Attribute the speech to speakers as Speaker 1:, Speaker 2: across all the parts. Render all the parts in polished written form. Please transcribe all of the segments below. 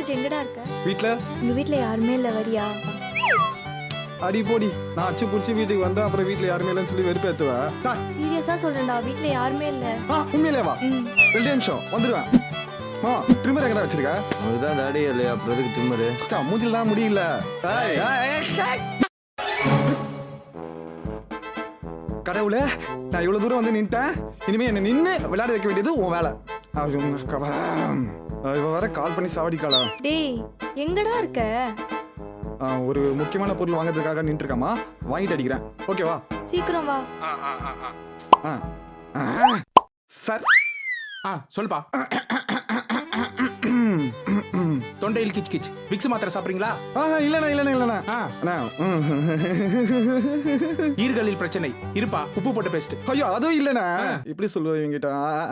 Speaker 1: ராஜ் எங்கடா இருக்க?
Speaker 2: வீட்ல
Speaker 1: உங்க வீட்ல யாருமே இல்ல, வரியா?
Speaker 2: அடி போடி. நான் அச்சு புடிச்சு வீட்டுக்கு வந்தா அப்புறம் வீட்ல யாருமே இல்லைன்னு சொல்லி வெறுப்பேத்துவா.
Speaker 1: சீரியஸா சொல்றேன்டா, வீட்ல யாருமே இல்ல.
Speaker 2: உண்மையிலே வா.
Speaker 1: ம்.
Speaker 2: 2 நிமிஷம் வந்துருவேன். ட்ரிம்மர் எங்கடா வச்சிருக்க?
Speaker 3: அதுதான் தாடி இல்லையா, அப்புறம் எதுக்கு ட்ரிம்மரு?
Speaker 2: மூஞ்சில தான் முடியல. கடவுளே, நான் இவ்வளவு தூரம் வந்து நின்ட்டேன். இனிமே என்ன நின்னு விளையாட வைக்க வேண்டியது உன் வேலை. இவ வேற கால் பண்ணி சாவடிக்காளா.
Speaker 1: டேய், எங்கடா இருக்க?
Speaker 2: ஒரு முக்கியமான பொருள் வாங்குறதுக்காக நின்று இருக்காமா, வாங்கிட்டு அடிக்கிறேன். ஓகேவா?
Speaker 1: சீக்கிரம் வா.
Speaker 2: சார்
Speaker 4: சொல்லுப்பா. தொண்டையில் கிச் கிச். விக்ஸ் மாத்திரை சாப்பிடுறீங்களா?
Speaker 2: இல்லண்ணா.
Speaker 4: ஈர்களில் பிரச்சனை இருப்பா, உப்பு போட்டு பேஸ்ட்.
Speaker 2: ஐயோ அதுவும் இல்லண்ணா. இப்படி சொல்லுவீங்கிட்ட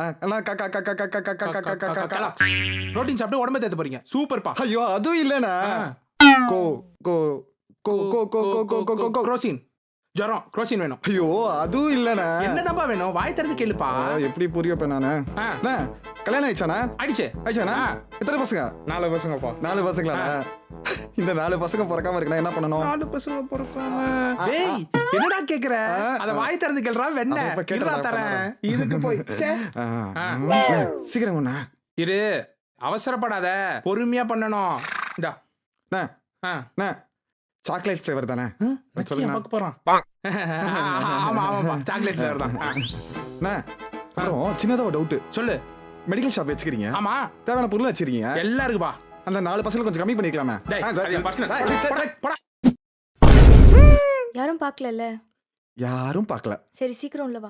Speaker 4: புரோட்டீன் சாப்பிட்டு உடம்பு தேத்த போறீங்க. சூப்பர்ப்பா.
Speaker 2: ஐயோ அதுவும் இல்லண்ணா. கோ கோ கோ கோ கோ கோ கோ கோ
Speaker 4: குரோசின். ஜரம் குரோசின் வேணும்.
Speaker 2: ஐயோ அதுவும் இல்லண்ணா.
Speaker 4: என்னதான்பா வேணும்? வாய் திறந்து கேளுப்பா.
Speaker 2: எப்படி புரியப்ப நானு? கல்யாணம் ஆயிடுச்சாண்ணா? ஆயிடுச்சாண்ணா? எத்தனை பசங்க?
Speaker 4: 4 பசங்கப்பா.
Speaker 2: 4 பசங்களா? இந்த 4 பசங்க பிறக்காம இருக்கா என்ன பண்ணணும்?
Speaker 4: 4 பசங்க பிறக்காம. டேய், என்னடா கேக்குற? அத வாய் திறந்து கேளுடா. வெண்ண இருடா தரேன். இதுக்கு போய்
Speaker 2: சீக்கிரம் ஒண்ணா
Speaker 4: இரு. அவசரப்படாத, பொறுமையா பண்ணணும். இந்தா.
Speaker 2: சாக்லேட் ஃப்ளேவர் தானே?
Speaker 4: பார்க்க போறான். ஆமா ஆமாப்பா, சாக்லேட் ஃப்ளேவர் தான்.
Speaker 2: அப்புறம் சின்னதா ஒரு டவுட்.
Speaker 4: சொல்லு.
Speaker 2: மெடிக்கல் ஷாப் வச்சுக்கிறீங்க?
Speaker 4: ஆமா.
Speaker 2: தேவையான பொருள் வச்சிருக்கீங்க?
Speaker 4: எல்லாம் இருக்குப்பா.
Speaker 2: அந்த 4% கொஞ்சம் கம்மி பண்ணிக்கலாமே?
Speaker 1: யாரும் பார்க்கலல்ல?
Speaker 2: யாரும் பார்க்கல.
Speaker 1: சரி, சீக்கிரம் உள்ள வா.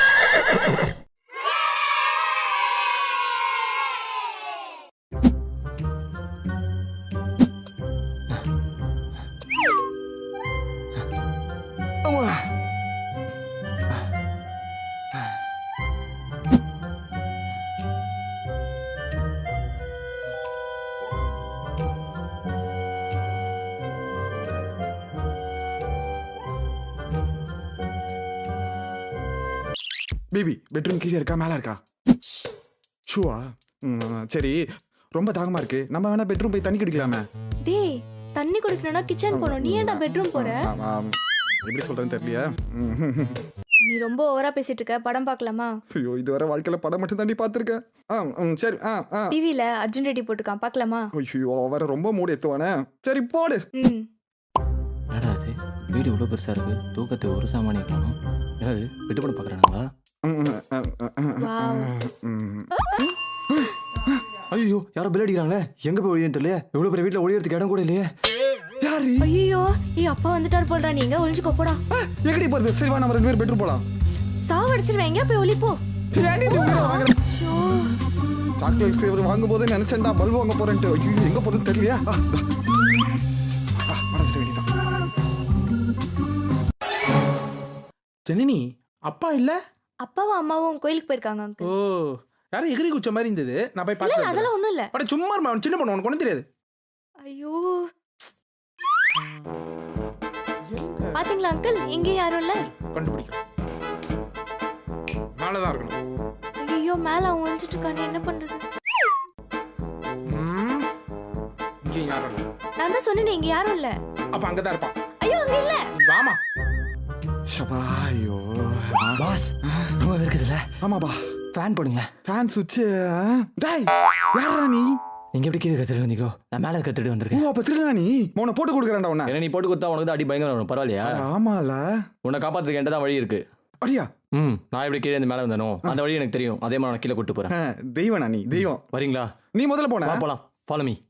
Speaker 2: பேபி பெட்ரூம் கீழே இருக்கா மேல இருக்கா? ஷூவா? சரி, ரொம்ப தாகமா இருக்கு. நம்ம வேணா பெட்ரூம் போய் தண்ணி குடிக்கலாமே?
Speaker 1: டேய், தண்ணி குடிக்கணும்னா கிச்சன் போணும். நீ ஏன்டா பெட்ரூம் போற?
Speaker 2: எப்படி சொல்றேன்னு தெரியலையா?
Speaker 1: நீ ரொம்ப ஓவரா பேசிட்டு இருக்க. படம் பார்க்கலாமா?
Speaker 2: ஐயோ, இதுவரை வாழ்க்கையில படம் மட்டும் தாண்டி பாத்துருக்கேன். சரி.
Speaker 1: டிவில அர்ஜுன் ரெட்டி போட்டுருக்கான், பார்க்கலாமா?
Speaker 2: ஐயோ, வர ரொம்ப மூடு எத்துவானே. சரி போடு.
Speaker 3: என்னடா இது, வீடு இவ்வளோ பெருசா இருக்கு, தூக்கத்தை ஒரு சாமானிய காணும். என்னது, விட்டு போட பாக்குறாங்களா? ஐயோ, யாரோ பில் அடிக்கிறாங்களே. எங்க போய் ஒழியன்னு தெரியல. இவ்வளவு பெரிய வீட்டுல ஒழியறதுக்கு இடம் கூட இல்லையே.
Speaker 2: யாரு?
Speaker 1: ஐயோ, அப்பா வந்துட்டார் போடுறா. நீங்க ஒளிஞ்சுக்கோ, போடா.
Speaker 2: எங்கடி போறது? சரி வா, நம்ம 2 பேரும் பெட்ரூம் போலாம்.
Speaker 1: சாவடிச்சிருவேன். எங்க போய் ஒளி போ.
Speaker 2: சாக்லேட் ஃப்ளேவர் வாங்கும் போதே நினைச்சேன்டா பல்பு வாங்க போறேன்ட்டு. ஐயோ, எங்க போறதுன்னு தெரியலையா? மனசு வேண்டிதான்.
Speaker 4: ஜனனி, அப்பா இல்ல?
Speaker 1: அப்பாவும் அம்மாவும் கோயிலுக்கு போயிருக்காங்க அங்கிள்.
Speaker 4: ஓ, யாரும் எகிரி குச்ச மாதிரி இருந்தது. நான் போய்
Speaker 1: இல்ல,
Speaker 4: பார்த்தேன்.
Speaker 1: அதெல்லாம் ஒண்ணும் இல்ல.
Speaker 4: அட சும்மா இருமா, சின்ன பொண்ணு, உனக்கு ஒண்ணும் தெரியாது.
Speaker 1: ஐயோ, பாத்தீங்களா அங்கிள், இங்க யாரும் இல்ல.
Speaker 4: கண்டுபிடிக்கிறேன். மேலதான் இருக்கணும்.
Speaker 1: ஐயோ, மேல அவன் ஒளிஞ்சிட்டு இருக்கானே, என்ன பண்றது?
Speaker 4: இங்க யாரும் இல்ல.
Speaker 1: நான் தான் சொன்னேனே, இங்க யாரும் இல்ல.
Speaker 4: அப்ப அங்கதான் இருப்பான்.
Speaker 1: ஐயோ, அங்க இல்ல.
Speaker 4: வாமா.
Speaker 2: ஷபா, ஐயோ
Speaker 3: பாஸ், ரொம்ப இருக்குதுல்ல?
Speaker 2: ஆமாப்பா.
Speaker 3: ஃபேன் போடுங்க.
Speaker 2: ஃபேன் சுவிட்ச். டேய், யாரா நீ?
Speaker 3: நீங்க எப்படி கீழே கத்துட்டு வந்தீங்களோ, நான் மேல கத்துட்டு வந்திருக்கேன்.
Speaker 2: ஓ, அப்ப திருடா நீ? உன்னை போட்டு கொடுக்குறேன்டா உன்னை.
Speaker 3: ஏன்னா நீ போட்டு கொடுத்தா உனக்கு தான் அடி பயங்கரம் வரும். பரவாயில்லையா?
Speaker 2: ஆமால.
Speaker 3: உன்னை காப்பாத்துறதுக்கு என்கிட்ட தான் வழி இருக்கு.
Speaker 2: அடியா?
Speaker 3: நான் எப்படி கீழே இருந்து மேலே வந்தனோ அந்த வழி எனக்கு தெரியும். அதே மாதிரி நான் கீழே கூட்டு போறேன்.
Speaker 2: தெய்வனா நீ? தெய்வம்.
Speaker 3: வரீங்களா?
Speaker 2: நீ முதல்ல போன.
Speaker 3: போலாம், ஃபாலோ மீ.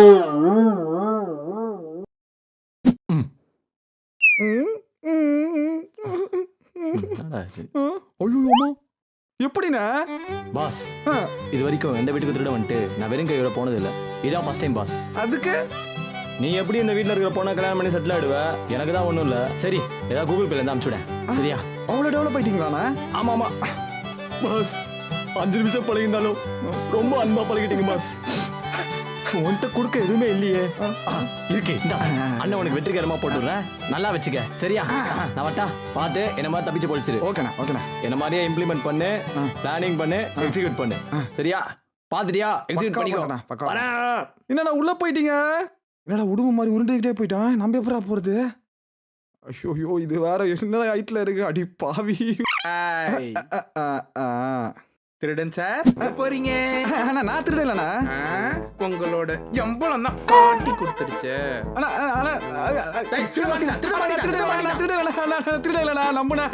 Speaker 2: ஐயோமா, எப்படிண்ணா?
Speaker 3: பாஸ், இது வரைக்கும் எந்த வீட்டுக்கு திருட வந்துட்டு நான் வெறும் கையோட போனது இல்லை. இதான் ஃபர்ஸ்ட் டைம் பாஸ்.
Speaker 2: அதுக்கு
Speaker 3: நீ எப்படி இந்த வீட்டில் இருக்கிற பொண்ணை கல்யாணம் பண்ணி செட்டில் ஆயிடுவ? எனக்கு தான் ஒன்றும் இல்லை. சரி, ஏதாவது கூகுள் பேல இருந்து அனுப்பிச்சுடேன். சரியா?
Speaker 2: அவ்வளோ டெவலப் ஆயிட்டீங்களாண்ணா?
Speaker 3: ஆமாம் பாஸ், 5 நிமிஷம் பழகிருந்தாலும் ரொம்ப அன்பா பழகிட்டீங்க பாஸ். உன்கிட்ட கொடுக்க எதுவுமே இல்லையே. இருக்கு, அண்ணன் உனக்கு வெற்றிகரமா போட்டுடுறேன். நல்லா வச்சுக்க. சரியா? நான் வட்டா பார்த்து என்ன மாதிரி தப்பிச்சு போலிச்சிரு.
Speaker 2: ஓகேண்ணா.
Speaker 3: என்ன மாதிரியே இம்ப்ளிமெண்ட் பண்ணு, பிளானிங் பண்ணு, எக்ஸிக்யூட் பண்ணு. சரியா? பாத்துட்டியா எக்ஸிட்
Speaker 2: பக்கா
Speaker 3: பண்ணிக்கோ
Speaker 2: பண்ணடா, பக்கா.
Speaker 3: வரேன்.
Speaker 2: என்னடா உள்ள போயிட்டீங்க? என்னடா உடும்பு மாதிரி உருண்டுகிட்டே போயிட்டான். நம்ம எப்படா போறது? ஐயோ இது வேற என்ன ஹைட்ல இருக்கு. அடி பாவி.
Speaker 4: ஏய்,
Speaker 2: ஆ, ஆ.
Speaker 4: திருடன் சார் போறீங்க?
Speaker 2: அண்ணா நான் திருடலண்ணா.
Speaker 4: உங்களோட எம்பளம் தான் காட்டி கொடுத்துருச்சு.
Speaker 2: அண்ணா அண்ணா
Speaker 4: டேய், திருட மாட்டீங்களா? திருட மாட்டீங்களா?
Speaker 2: திருடலண்ணா நம்புனா.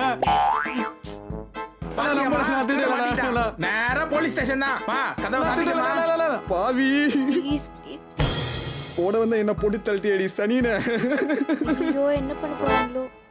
Speaker 4: மாட்டீங்களா? நேரா போலீஸ் ஸ்டேஷன் தான். வா, கதவை சாத்திக்கமா.
Speaker 2: பாவி
Speaker 1: ப்ளீஸ் ப்ளீஸ்.
Speaker 2: ஓட வந்து என்ன போட்டு தள்ளிட்டி அடி சனின.
Speaker 1: ஐயோ என்ன பண்ண போறாங்களோ?